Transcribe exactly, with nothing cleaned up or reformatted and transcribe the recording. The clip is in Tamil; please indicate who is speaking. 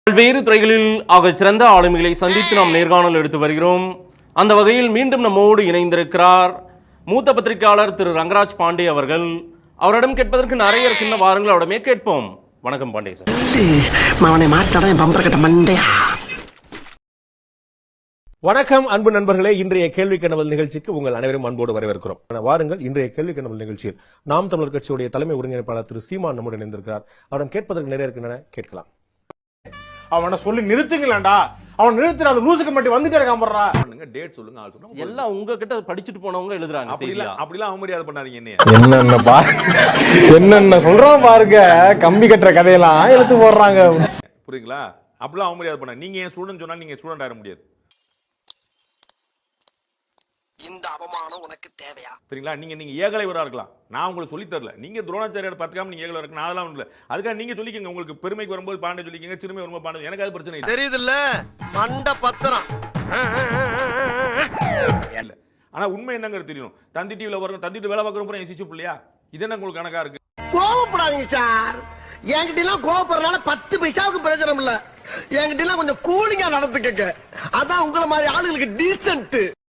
Speaker 1: பல்வேறு துறைகளில் ஆக சிறந்த ஆளுமைகளை சந்தித்து நாம் நேர்காணல் எடுத்து வருகிறோம். அந்த வகையில் மீண்டும் நம்மோடு இணைந்திருக்கிறார் மூத்த பத்திரிகையாளர் திரு ரங்கராஜ் பாண்டே அவர்கள். அவரிடம் கேட்பதற்கு நிறைய இருக்கின்ற வாருங்கள் அவரிடமே கேட்போம். வணக்கம் பாண்டே சார்.
Speaker 2: வணக்கம் அன்பு நண்பர்களே, இன்றைய கேள்வி கனவல் நிகழ்ச்சிக்கு உங்கள் அனைவரும் அன்போடு வரவேற்கிறோம். வாருங்கள், இன்றைய கேள்வி கனவல் நிகழ்ச்சியில் நாம் தமிழர் கட்சியுடைய தலைமை ஒருங்கிணைப்பாளர் திரு சீமான் நம்முடன் இணைந்திருக்கிறார். அவரிடம் கேட்பதற்கு நிறைய இருக்கின்றன, கேட்கலாம்.
Speaker 3: அவனை சொல்லி நிறுத்துங்களா? அவன் நிறுத்துற அந்த லூசுக்கு மட்டும் வந்துட்டே இருக்கான்.
Speaker 4: டேட் சொல்லுங்க, ஆள் சொல்லுங்க.
Speaker 1: எல்லாம் உங்ககிட்ட படிச்சுட்டு போனவங்க எழுதுறாங்க.
Speaker 4: அப்படிலாம் அவமரியாதை பண்ணாதீங்க. என்ன
Speaker 3: என்னென்ன பா என்னென்ன சொல்றான் பாருங்க. கம்பி கட்டுற கதையெல்லாம் எழுத்து போடுறாங்க.
Speaker 4: புரியுங்களா? அப்படிலாம் அவமரியாதை பண்ண. நீங்க என் ஸ்டூடெண்ட் சொன்னா நீங்க ஸ்டூடெண்ட் ஆக முடியாது.
Speaker 5: இந்த அவமானம் உனக்கு தேவையா?
Speaker 4: சரிங்களா? நீங்க நீங்க ஏகலைவரா இருக்கலாம், நான் உங்களுக்கு சொல்லி தரல. நீங்க துரோணாச்சாரியார் பார்த்துக்காம நீங்க ஏகலைவரா இருக்கு, நான் அதெல்லாம் இல்ல. அதுக்காக நீங்க சொல்லிக்கங்க. உங்களுக்கு பெருமைக்கு வரும்போது பாண்டே சொல்லிக்கங்க, சிறுமை வரும்போது பாண்டே. எனக்கு அது பிரச்சனை இல்லை.
Speaker 5: தெரியுது இல்ல மண்ட பத்திரம்
Speaker 4: இல்ல. ஆனா உண்மை என்னங்கிறது தெரியும். தந்தி டிவில வரும், தந்திட்டு வேலை பார்க்கறப்ப என் சிசு பிள்ளையா? இது என்ன உங்களுக்கு கணக்கா இருக்கு?
Speaker 5: கோவப்படாதீங்க சார். என்கிட்ட எல்லாம் கோவப்படுறதுனால பத்து பைசாவுக்கு பிரயோஜனம் இல்ல. என்கிட்ட எல்லாம் கொஞ்சம் கூலிங்கா நடந்துக்கங்க. அதான் உங்களை மாதிரி ஆளுங்களுக்கு டீசன்ட்.